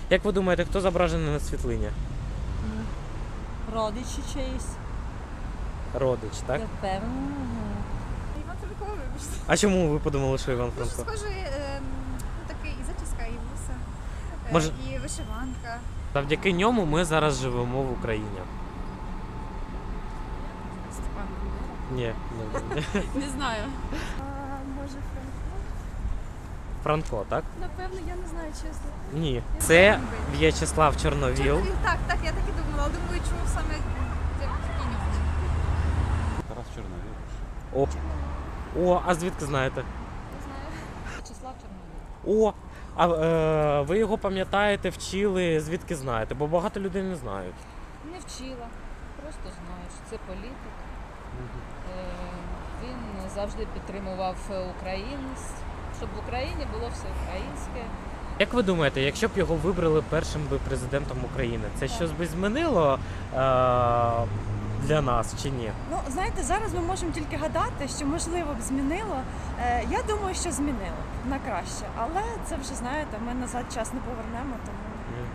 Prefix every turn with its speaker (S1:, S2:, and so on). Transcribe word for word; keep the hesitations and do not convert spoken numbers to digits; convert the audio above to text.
S1: Як ви думаєте, хто зображений на світлині?
S2: Родичі чиїсь.
S1: Родич, так?
S2: Я впевнена.
S3: Іван Франко, вибачте.
S1: А чому ви подумали, що Іван
S3: Дуже
S1: Франко?
S3: схожий, ем, такий і зачіска, і вуса, е,
S1: Може-
S3: і вишиванка.
S1: Завдяки ньому ми зараз живемо в Україні.
S3: Степан Бандера.
S1: Ні, не,
S3: Не знаю. А, може Франко?
S1: Франко, так?
S3: Напевно, я не знаю, чесно.
S1: Ні. Це В'ячеслав Чорновіл.
S3: Чорновіл, так, так, я так і думала, але думаю, чому саме такий нього.
S4: Тарас Чорновіл.
S1: О, О, а звідки знаєте?
S3: Не знаю.
S2: Вячеслав Чорновіл.
S1: О, а е, ви його пам'ятаєте, вчили, звідки знаєте? Бо багато людей не знають.
S2: Не вчила, просто знаю, що це політик. Е, Він завжди підтримував українськість, щоб в Україні було все українське.
S1: Як ви думаєте, якщо б його вибрали першим би президентом України, це щось би змінило е, для нас чи ні?
S5: Ну, знаєте, зараз ми можемо тільки гадати, що можливо б змінило. Е, я думаю, що змінило на краще, але це вже знаєте, ми назад час не повернемо, тому